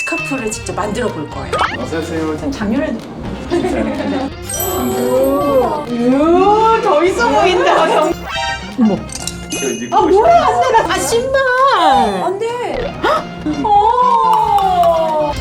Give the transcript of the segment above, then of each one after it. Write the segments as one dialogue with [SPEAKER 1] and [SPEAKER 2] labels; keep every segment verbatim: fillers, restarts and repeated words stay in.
[SPEAKER 1] 스카프를 직접 만들어 볼 거예요.
[SPEAKER 2] 어서오세요.
[SPEAKER 1] 전 작년에도
[SPEAKER 2] 오,
[SPEAKER 1] 더 있어 보인다. 경... 어머. 아 뭐야 안 돼. 나... 아 신발. 안 돼. 어.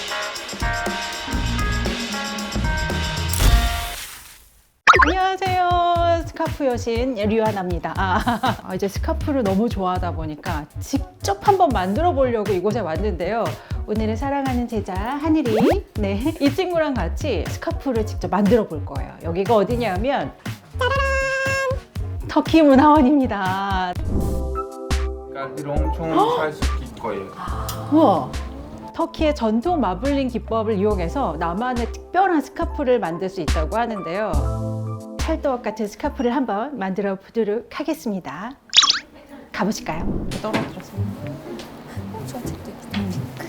[SPEAKER 3] 안녕하세요. 스카프 여신 류하나입니다. 아, 이제 스카프를 너무 좋아하다 보니까 직접 한번 만들어 보려고 이곳에 왔는데요. 오늘은 사랑하는 제자 하늘이 네, 이 친구랑 같이 스카프를 직접 만들어 볼 거예요. 여기가 어디냐면 짜라란! 터키 문화원입니다.
[SPEAKER 2] 깔비로 엄청 잘 섞일 거예요.
[SPEAKER 3] 우와! 터키의 전통 마블링 기법을 이용해서 나만의 특별한 스카프를 만들 수 있다고 하는데요. 찰떡 같은 스카프를 한번 만들어 보도록 하겠습니다. 가보실까요? 떨어뜨렸어.
[SPEAKER 1] 저 책도 있다.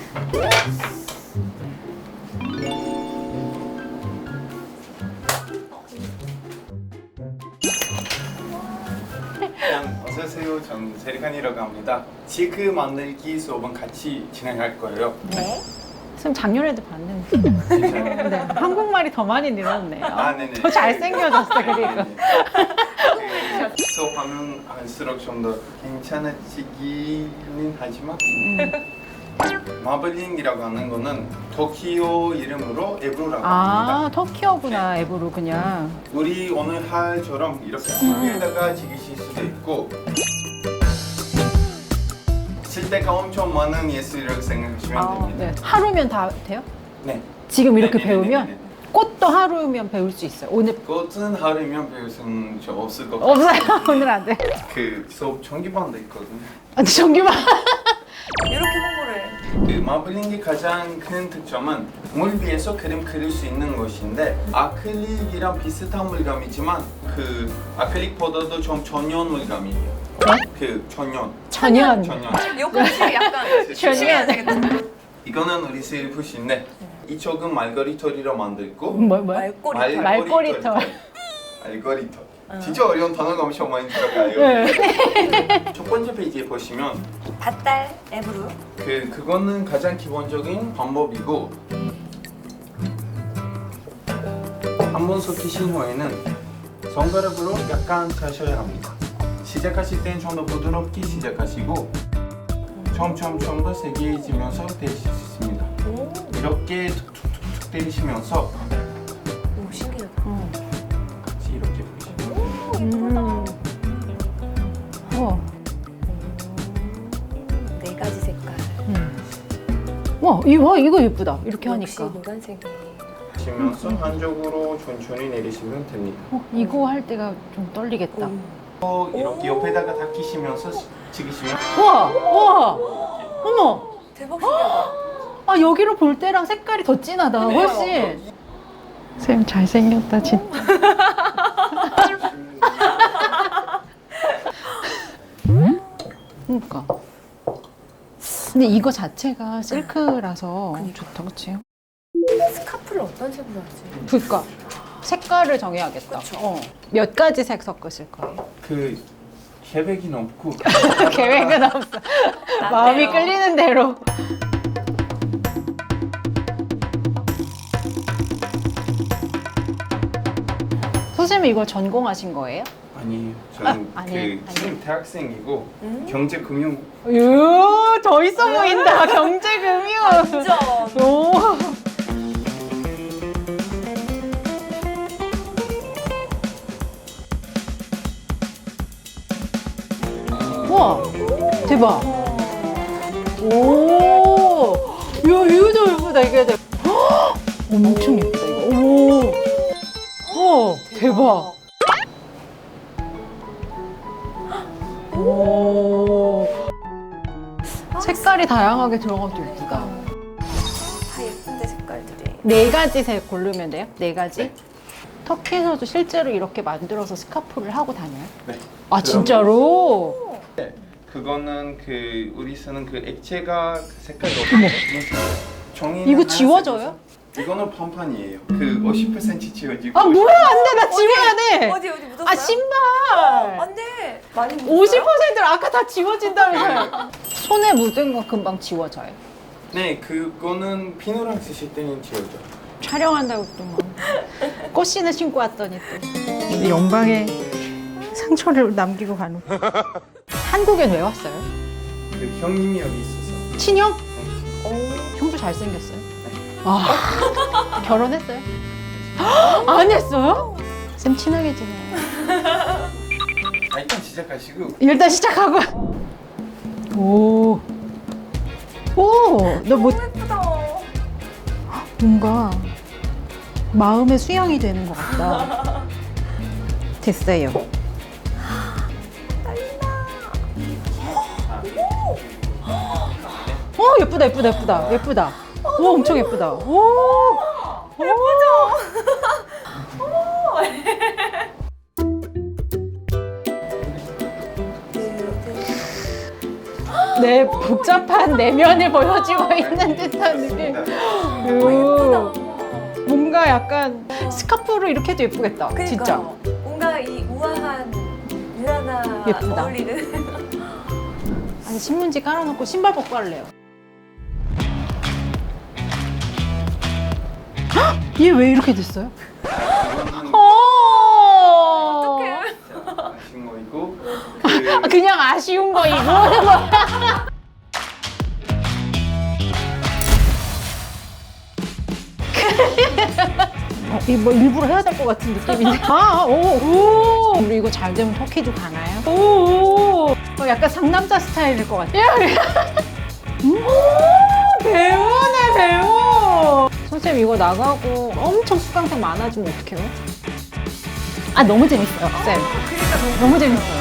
[SPEAKER 2] 그냥 어서오세요. 전 세리칸이라고 합니다. 지그 만들기 수업은 같이 진행할 거예요.
[SPEAKER 1] 네.
[SPEAKER 3] 선생님 작년에도 봤는데
[SPEAKER 2] 진짜요?
[SPEAKER 3] 네, 한국말이 더 많이 늘었네요.
[SPEAKER 2] 아, 네네.
[SPEAKER 3] 더 잘생겨졌어 그리고.
[SPEAKER 2] 그 수업하면 할수록 좀 더 괜찮아지기는 하지만 마블링이라고 하는 거는 도키오 이름으로 에브로라고
[SPEAKER 3] 아
[SPEAKER 2] 합니다.
[SPEAKER 3] 터키어구나 에브로 그냥.
[SPEAKER 2] 우리 오늘 할처럼 이렇게 손에다가 지기실 수도 있고 쓸 때가 엄청 많은 예술이라고 생각하시면
[SPEAKER 3] 아,
[SPEAKER 2] 됩니다.
[SPEAKER 3] 네. 하루면 다 돼요?
[SPEAKER 2] 네.
[SPEAKER 3] 지금 이렇게
[SPEAKER 2] 네네네네네.
[SPEAKER 3] 배우면? 꽃도 하루면 배울 수 있어요. 오늘
[SPEAKER 2] 꽃은 하루면 배울 수는 저 없을 것 같아요.
[SPEAKER 3] 없어요. 오늘 안 돼.
[SPEAKER 2] 그 수업 전기반도 있거든요.
[SPEAKER 3] 아, 전기만.
[SPEAKER 1] 이렇게 홍보를.
[SPEAKER 2] 그 마블링의 가장 큰 특점은 물 위에서 그림 그릴 수 있는 것인데 아크릴이랑 비슷한 물감이지만 그 아크릴보다도 좀 전연 물감이에요. 그 전연.
[SPEAKER 3] 천연.
[SPEAKER 2] 전연.
[SPEAKER 1] 요까지 약간 조심해야 되겠다.
[SPEAKER 2] 이거는 우리 셀프신데 이쪽은 말거리털이로 만들고
[SPEAKER 3] 뭐, 뭐?
[SPEAKER 1] 말꼬리.
[SPEAKER 2] 말-
[SPEAKER 3] 말꼬리털.
[SPEAKER 2] 알고리털. 진짜 어려운 단어가 엄청 많이 들어가요.
[SPEAKER 3] 네.
[SPEAKER 2] 첫 번째 페이지에 보시면
[SPEAKER 1] 밭달 앱으로.
[SPEAKER 2] 그 그거는 가장 기본적인 방법이고 한 번 섞이신 후에는 손가락으로 약간 타셔야 합니다. 시작하실 때는 좀 더 부드럽게 시작하시고 점점 좀 더 세게해지면서 때리실 수 있습니다.
[SPEAKER 1] 오,
[SPEAKER 2] 이렇게 툭툭툭툭 때리시면서
[SPEAKER 1] 오 신기하다.
[SPEAKER 2] 같이 이렇게 보시면
[SPEAKER 3] 음. 우와.
[SPEAKER 1] 네 가지 색깔.
[SPEAKER 3] 음. 와, 이, 와, 이거 예쁘다. 이렇게
[SPEAKER 1] 역시
[SPEAKER 3] 하니까.
[SPEAKER 1] 노란색이.
[SPEAKER 2] 보시면서 한쪽으로 천천히 내리시면 됩니다.
[SPEAKER 3] 어, 이거 할 때가 좀 떨리겠다.
[SPEAKER 1] 오.
[SPEAKER 2] 또 이렇게 옆에다가 닦이시면서 찍으시면
[SPEAKER 3] 우와, 우와. 어머.
[SPEAKER 1] 대박 신기하다.
[SPEAKER 3] 아, 여기로 볼 때랑 색깔이 더 진하다. 훨씬. 쌤 잘생겼다, 진짜. 그러니까. 근데 이거 자체가 실크라서 좋다, 그치?
[SPEAKER 1] 스카프를 어떤 색으로 하지?
[SPEAKER 3] 그니까. 색깔을 정해야겠다.
[SPEAKER 1] 그쵸.
[SPEAKER 3] 어. 몇 가지 색 섞으실 거예요?
[SPEAKER 2] 그 계획이 없고
[SPEAKER 3] 계획은 없어. 마음이 끌리는 대로. 선생님 이거 전공하신 거예요?
[SPEAKER 2] 아니에요. 저는
[SPEAKER 3] 아, 아니에요?
[SPEAKER 2] 그 지금 대학생이고 경제금융
[SPEAKER 3] 유, 더 있어 보인다. 경제금융.
[SPEAKER 1] 완전.
[SPEAKER 3] 오. 우와, 대박. 오, 야, 이거 예쁘다, 이게. 헉! 엄청 예쁘다, 이거. 오, 오, 대박. 오, 색깔이 다양하게 들어가도 예쁘다.
[SPEAKER 1] 다 예쁜데 색깔들이.
[SPEAKER 3] 네 가지 색 고르면 돼요? 네 가지?
[SPEAKER 2] 네.
[SPEAKER 3] 터키에서도 실제로 이렇게 만들어서 스카프를 하고 다녀요?
[SPEAKER 2] 네.
[SPEAKER 3] 아, 진짜로?
[SPEAKER 2] 네. 그거는 그 우리 쓰는 그 액체가 그 색깔이 없거든요. 종이는
[SPEAKER 3] 이거
[SPEAKER 2] 하얀색이어서
[SPEAKER 3] 지워져요?
[SPEAKER 2] 이거는 펌판이에요. 그 오십 퍼센트 지워지고
[SPEAKER 3] 아, 뭐야, 안 돼. 나 지워야 돼.
[SPEAKER 1] 어디 어디 묻었어요?
[SPEAKER 3] 아, 신발.
[SPEAKER 1] 안 돼. 많이 묻었어요?
[SPEAKER 3] 오십 퍼센트를 아까 다 지워진다면서요. 손에 묻은 거 금방 지워져요.
[SPEAKER 2] 네, 그거는 비누랑 쓰실 때는 지워져.
[SPEAKER 3] 촬영한다고 또 막 꽃신을 신고 왔더니 또 영광의 상처를 남기고 가는. 한국엔 왜 왔어요?
[SPEAKER 2] 그 형님이 여기 있어서.
[SPEAKER 3] 친형?
[SPEAKER 2] 네.
[SPEAKER 3] 형도 잘생겼어요. 아, 결혼했어요? 안 했어요? 쌤 친하게 지내.
[SPEAKER 2] 아, 일단 시작하시고.
[SPEAKER 3] 일단 시작하고. 오. 오, 너 뭐,
[SPEAKER 1] 예쁘다.
[SPEAKER 3] 뭔가 마음의 수양이 되는 것 같다. 됐어요. 오, 예쁘다, 예쁘다, 예쁘다, 예쁘다. 오, 엄청 예쁘다. 오, 내 복잡한 내면을 보여주고 있는 듯한 느낌. 오, 뭔가 약간 스카프로 이렇게 해도 예쁘겠다. 진짜.
[SPEAKER 1] 뭔가 이 우아한 유아나
[SPEAKER 3] 예쁘다.
[SPEAKER 1] 어울리는.
[SPEAKER 3] 아니, 신문지 깔아놓고 신발 벗고 할래요. 얘 왜 이렇게 됐어요? 어.
[SPEAKER 2] 아쉬운 거 있고.
[SPEAKER 3] 아,
[SPEAKER 2] 그
[SPEAKER 3] 그냥 아쉬운 거 이거. 어, 이거 뭐 일부러 해야 될 것 같은 느낌인데. 아, 오, 오. 우리 이거 잘 되면 터키도 가나요? 오, 오. 어, 약간 상남자 스타일일 것 같아요. 오, 배우네, 배우. 선생님 이거 나가고 엄청 수강생 많아지면 어떡해요? 아, 너무 재밌어요, 쌤.
[SPEAKER 1] 그러니까
[SPEAKER 3] 너무 재밌어요.